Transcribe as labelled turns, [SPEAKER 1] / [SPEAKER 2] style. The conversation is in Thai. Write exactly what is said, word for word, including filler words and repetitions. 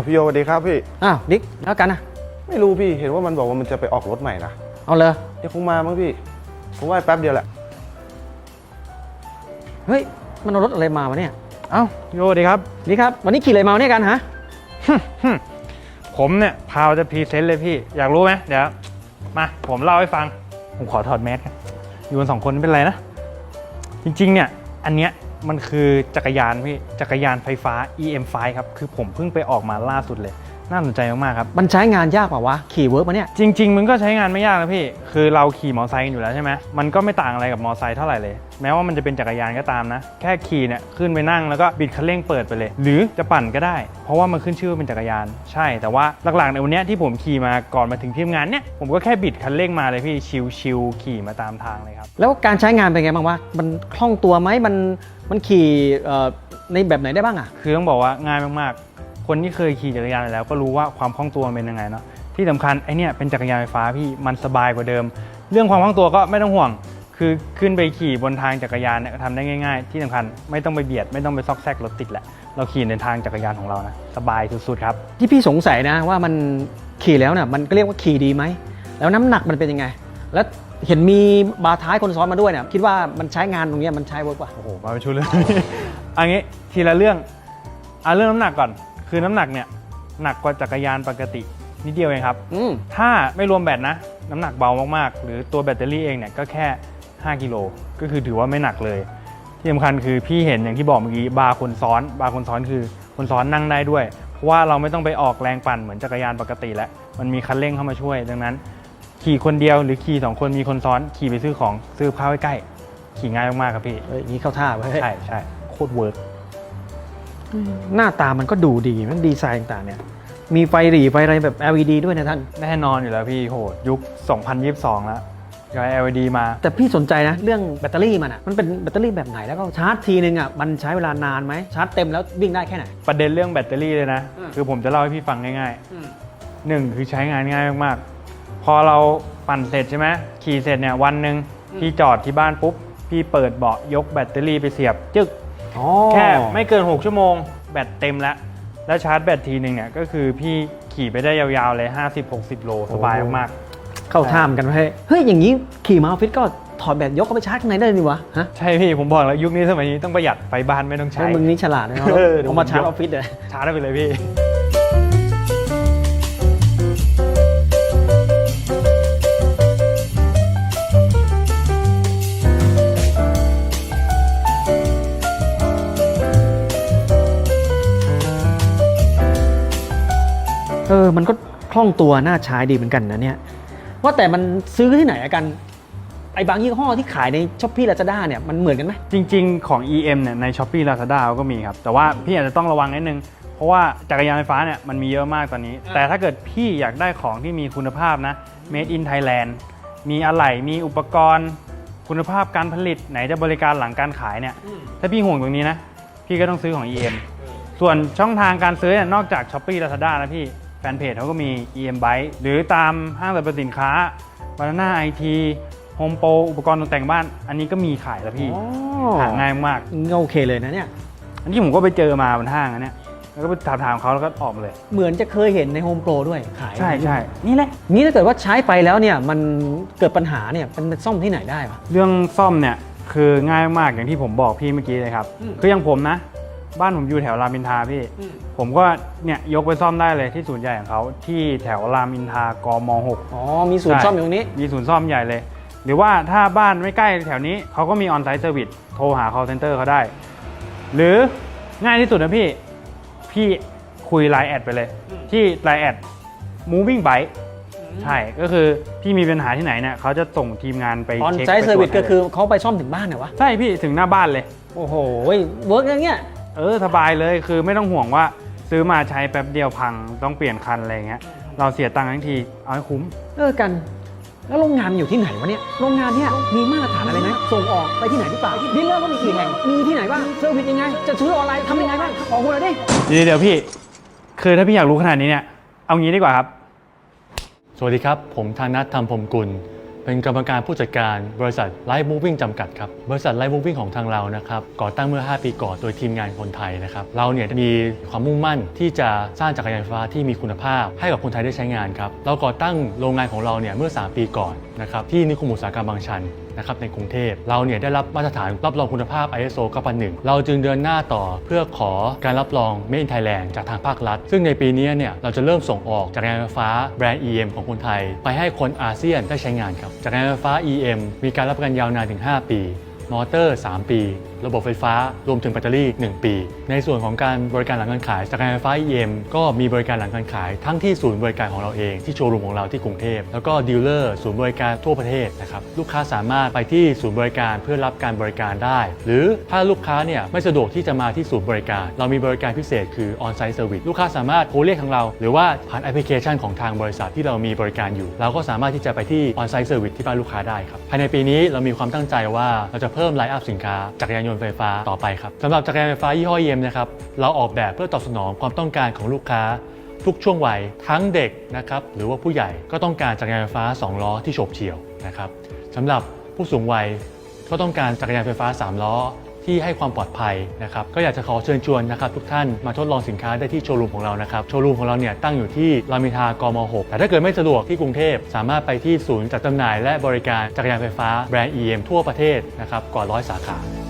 [SPEAKER 1] าวพี่โยสวัสดีครับพี่
[SPEAKER 2] อ้าวนิกแล้วกันนะ
[SPEAKER 1] ไม่รู้พี่เห็นว่ามันบอกว่ามันจะไปออกรถใหม่นะ
[SPEAKER 2] เอาเลย
[SPEAKER 1] เดี๋ยวคงมามั้งพี่ผมว่าแป๊บเดียวแหละ
[SPEAKER 2] เฮ้ยมันเอารถอะไรมาวะเนี่ย
[SPEAKER 3] เอ้าโยดีครับ
[SPEAKER 2] นี่ครับวันนี้ขี่อะไรมาเนี่ยกันฮะ
[SPEAKER 3] ผมเนี่ยพาวจะพรีเซนต์เลยพี่อยากรู้ไหมเดี๋ยวมาผมเล่าให้ฟังผมขอถอดแมสกันอยู่กันสองคนไม่เป็นไรนะจริงๆเนี่ยอันเนี้ยมันคือจักรยานพี่จักรยานไฟฟ้า อี เอ็ม ไฟว์ ครับคือผมเพิ่งไปออกมาล่าสุดเลยน่าสนใจมากๆครับ
[SPEAKER 2] มันใช้งานยากเปล่าวะขี่เวิร์กมาเนี่ย
[SPEAKER 3] จริงๆมันก็ใช้งานไม่ยากนะพี่คือเราขี่มอเตอร์ไซค์กันอยู่แล้วใช่ไหมมันก็ไม่ต่างอะไรกับมอเตอร์ไซค์เท่าไหร่เลยแม้ว่ามันจะเป็นจักรยานก็ตามนะแค่ขี่เนี่ยขึ้นไปนั่งแล้วก็บิดคันเร่งเปิดไปเลยหรือจะปั่นก็ได้เพราะว่ามันขึ้นชื่อว่าเป็นจักรยานใช่แต่ว่าหลักๆในวันนี้ที่ผมขี่มาก่อนมาถึงที่ทำงานเนี่ยผมก็แค่บิดคันเร่งมาเลยพี่ชิวๆขี่มาตามทางเลยครับ
[SPEAKER 2] แล้วการใช้งานเป็นไงบ้างวะมันคล่องตัวไหมมันมันขี่ในแบบไหนได้บ้างอ่ะ
[SPEAKER 3] คือต้องบอกว่าง่ายมากๆคนที่เคยขี่จักรยานแล้วก็รู้ว่าความคล่องตัวมันเป็นยังไงเนาะที่สำคัญไอเนี่ยเป็นจักรยานไฟฟ้าพี่มันสบายกว่าเดิมเรื่องความคล่องตัวก็ไม่ต้องห่วงคือขึ้นไปขี่บนทางจักรยานเนี่ยทำได้ง่ายๆที่สำคัญไม่ต้องไปเบียดไม่ต้องไปซอกแซกรถติดแหละเราขี่ในทางจักรยานของเรานะสบายสุดๆครับ
[SPEAKER 2] ที่พี่สงสัยนะว่ามันขี่แล้วเนี่ยมันก็เรียกว่าขี่ดีไหมแล้วน้ำหนักมันเป็นยังไงแล้วเห็นมีบาร์ท้ายคนซ้อนมาด้วยเนี่ยคิดว่ามันใช้งานตรงนี้มันใช้เวิร์กป่ะ
[SPEAKER 3] โอ้โหมาเป็นชุดเลยอันนี้ทีละเรื่องเอาเรื่องน้ำหนักก่อนคือน้ำหนักเนี่ยหนักกว่าจักรยานปกตินิดเดียวเองครับถ้าไม่รวมแบตนะน้ำหนักเบามากๆหรือตัวแบตเตอรี่เองเนี่ยก็แค่ห้ากิโลก็คือถือว่าไม่หนักเลยที่สำคัญคือพี่เห็นอย่างที่บอกเมื่อกี้บาร์คนซ้อนบาร์คนซ้อนคือคนซ้อนนั่งได้ด้วยเพราะว่าเราไม่ต้องไปออกแรงปั่นเหมือนจักรยานปกติแล้วมันมีคันเร่งเข้ามาช่วยดังนั้นขี่คนเดียวหรือขี่สองคนมีคนซ้อนขี่ไปซื้อของซื้อข้าวใกล้ๆขี่ง่ายมากๆครับพี่
[SPEAKER 2] เฮ้ยนี่เข้าท่าไว้
[SPEAKER 3] ใช่ใช่โคตรเวิร์ก
[SPEAKER 2] หน้าตามันก็ดูดีมันดีไซน์ต่างๆเนี่ยมีไฟหรี่ไฟอะไรแบบ แอล อี ดี ด้วยนะท่าน
[SPEAKER 3] แน่นอนอยู่แล้วพี่โหยุคสองพันยี่สิบสองแล้วย้าย แอล อี ดี มา
[SPEAKER 2] แต่พี่สนใจนะเรื่องแบตเตอรี่มันอ่ะมันเป็นแบตเตอรี่แบบไหนแล้วก็ชาร์จทีนึงอ่ะมันใช้เวลานานไหมชาร์จเต็มแล้ววิ่งได้แค่ไหน
[SPEAKER 3] ประเด็นเรื่องแบตเตอรี่เลยนะคือผมจะเล่าให้พี่ฟังง่ายๆหนึ่งคือใช้งานง่ายมากๆพอเราปั่นเสร็จใช่ไหมขี่เสร็จเนี่ยวันหนึ่งพี่จอดที่บ้านปุ๊บพี่เปิดเบาะยกแบตเตอรี่ไปเสียบจึ๊กแค่ไม่เกินหกชั่วโมงแบตเต็มแล้วแล้วชาร์จแบตทีนึงเนี่ยก็คือพี่ขี่ไปได้ยาวๆเลย ห้าสิบถึงหกสิบ โลสบายมาก
[SPEAKER 2] ๆเข้าท่ามกันไว้เฮ้ยอย่างนี้ขี่มาออฟฟิศก็ถอดแบตยกเข้าไปชาร์จข้างในได้นี่วะฮะ
[SPEAKER 3] ใช่พี่ผมบอกแล้วยุคนี้สมัยนี้ต้องประหยัดไฟบ้านไม่ต้องใช้
[SPEAKER 2] มึงนี่ฉลาดนะเอามาชาร์จออฟฟิศเลย
[SPEAKER 3] ชาร์จได้ไปเลยพี่
[SPEAKER 2] เออมันก็คล่องตัวน่าใช้ดีเหมือนกันนะเนี่ยว่าแต่มันซื้อที่ไหนกันไอ้บางยี่ห้อที่ขายใน Shopee Lazada เนี่ยมันเหมือนกันไหม
[SPEAKER 3] จริงๆของ อี เอ็ม เนี่ยใน Shopee Lazada ก็มีครับแต่ว่าพี่อาจจะต้องระวังนิดนึงเพราะว่าจักรยานไฟฟ้าเนี่ยมันมีเยอะมากตอนนี้แต่ถ้าเกิดพี่อยากได้ของที่มีคุณภาพนะ Made in Thailand มีอะไหล่มีอุปกรณ์คุณภาพการผลิตไหนจะบริการหลังการขายเนี่ยถ้าพี่ห่วงตรงนี้นะพี่ก็ต้องซื้อของ อี เอ็ม ส่วนช่องทางการซื้อเนี่ยนอกจาก Shopee Lazada นะพี่แฟนเพจเขาก็มี อี เอ็ม Bike หรือตามห้างสรรพสินค้า Banana ไอ ที Home Pro อุปกรณ์ตกแต่งบ้านอันนี้ก็มีขายแล้วพี่หาง่ายมาก
[SPEAKER 2] โอเคเลยนะเนี่ย
[SPEAKER 3] อันนี้ผมก็ไปเจอมาบนห้างอันเนี้ยแล้วก็ไปถามถามเขาแล้วก็ออกมาเลย
[SPEAKER 2] เหมือนจะเคยเห็นใน Home Pro ด้วยขาย
[SPEAKER 3] ใช่ใช่นี่แหละ
[SPEAKER 2] นี่ถ้าเกิดว่าใช้ไปแล้วเนี่ยมันเกิดปัญหาเนี่ยมันซ่อมที่ไหนได้ปะ
[SPEAKER 3] เรื่องซ่อมเนี่ยคือง่ายมากอย่างที่ผมบอกพี่เมื่อกี้เลยครับคืออย่างผมนะบ้านผมอยู่แถวรามอินทราพี่ผมก็เนี่ยยกไปซ่อมได้เลยที่ศูนย์ใหญ่ของเขาที่แถวรามอินทรากม.หก
[SPEAKER 2] อ๋อมีศูนย์ซ่อมอยู่ตรงนี้
[SPEAKER 3] มีศูนย์ซ่อมใหญ่เลยหรือว่าถ้าบ้านไม่ใกล้แถวนี้เขาก็มีออนไซต์เซอร์วิสโทรหา call center เขาได้หรือง่ายที่สุดนะพี่พี่คุยไลน์แอดไปเลยที่ไลน์แอด moving bike ใช่ก็คือพี่มีปัญหาที่ไหนเนี่ยเขาจะส่งทีมงานไป
[SPEAKER 2] ออนไซต์เซอร์วิสก็คือเขาไปซ่อมถึงบ้านเหรอวะ
[SPEAKER 3] ใช่พี่ถึงหน้าบ้านเลย
[SPEAKER 2] โอ้โหเวิร์กอย่างเงี้ย
[SPEAKER 3] เออสบายเลยคือไม่ต้องห่วงว่าซื้อมาใช้แป๊บเดียวพังต้องเปลี่ยนคันอะไรเงี้ยเราเสียตังค์ทั้งทีเอาให้คุ้ม
[SPEAKER 2] เออกันแล้วโรงงานอยู่ที่ไหนวะเนี่ยโรงงานเนี่ยมีมาตรฐานอะไรไหมส่งออกไปที่ไหนหรือเปล่าดีลเลอร์ก็มีกี่แห่งมีที่ไหนบ้างเซอร์วิสยังไงจะซื้อออนไลน์ทำยังไงบ้างขอคุณหน่อยดิ
[SPEAKER 3] เดี๋ยวพี่คือถ้าพี่อยากรู้ขนาดนี้เนี่ยเอางี้ดีกว่าครับ
[SPEAKER 4] สวัสดีครับผมธนัท ธรรมพรหมกุลเป็นกรรมการผู้จัดการบริษัท Light Moving จำกัดครับบริษัท Light Moving ของทางเรานะครับก่อตั้งเมื่อห้าปีก่อนโดยทีมงานคนไทยนะครับเราเนี่ยมีความมุ่งมั่นที่จะสร้างจักรยานไฟฟ้าที่มีคุณภาพให้กับคนไทยได้ใช้งานครับเราก่อตั้งโรงงานของเราเนี่ยเมื่อสามปีก่อนนะครับที่นิคมอุตสาหกรรมบางชันนะครับในกรุงเทพเราเนี่ยได้รับมาตรฐานรับรองคุณภาพ ไอ เอส โอ เก้าพันหนึ่ง เราจึงเดินหน้าต่อเพื่อขอการรับรอง Made in Thailand จากทางภาครัฐซึ่งในปีนี้เนี่ยเราจะเริ่มส่งออกจักรยานไฟฟ้าแบรนด์ อี เอ็ม ของคนไทยไปให้คนอาเซียนได้ใช้งานครับจักรยานไฟฟ้า อี เอ็ม มีการรับประกันยาวนานถึงห้าปีมอเตอร์สามปีระบบไฟฟ้ารวมถึงแบตเตอรี่หนึ่งปีในส่วนของการบริการหลังการขายจักรยานไฟฟ้า อี เอ็ม ก็มีบริการหลังการขายทั้งที่ศูนย์บริการของเราเองที่โชว์รูมของเราที่กรุงเทพแล้วก็ดีลเลอร์ศูนย์บริการทั่วประเทศนะครับลูกค้าสามารถไปที่ศูนย์บริการเพื่อรับการบริการได้หรือถ้าลูกค้าเนี่ยไม่สะดวกที่จะมาที่ศูนย์บริการเรามีบริการพิเศษคือ On-site Service ลูกค้าสามารถโทรเรียกทางเราหรือว่าผ่านแอปพลิเคชันของทางบริษัทที่เรามีบริการอยู่เราก็สามารถที่จะไปที่ On-site Service ที่บ้านลูกค้าได้ครับภายในปีนี้เรามีความตั้งใจว่าเราจะเพิ่มไลน์อัพสินค้าจักรยานยนต์ไฟฟ้าต่อไปครับสำหรับจักรยานไฟฟ้ายี่ห้อ อี เอ็ม นะครับเราออกแบบเพื่อตอบสนองความต้องการของลูกค้าทุกช่วงวัยทั้งเด็กนะครับหรือว่าผู้ใหญ่ก็ต้องการจักรยานไฟฟ้าสองล้อที่โฉบเฉี่ยวนะครับสำหรับผู้สูงวัยก็ต้องการจักรยานไฟฟ้าสามล้อที่ให้ความปลอดภัยนะครับก็อยากจะขอเชิญชวนนะครับทุกท่านมาทดลองสินค้าได้ที่โชว์รูมของเรานะครับโชว์รูมของเราเนี่ยตั้งอยู่ที่รามอินทรากมหกแต่ถ้าเกิดไม่สะดวกที่กรุงเทพสามารถไปที่ศูนย์จัดจำหน่ายและบริการจักรยานไฟฟ้าแบรนด์ อี เอ็ม ทั่วประเทศนะครับกว่าร้อยสาขา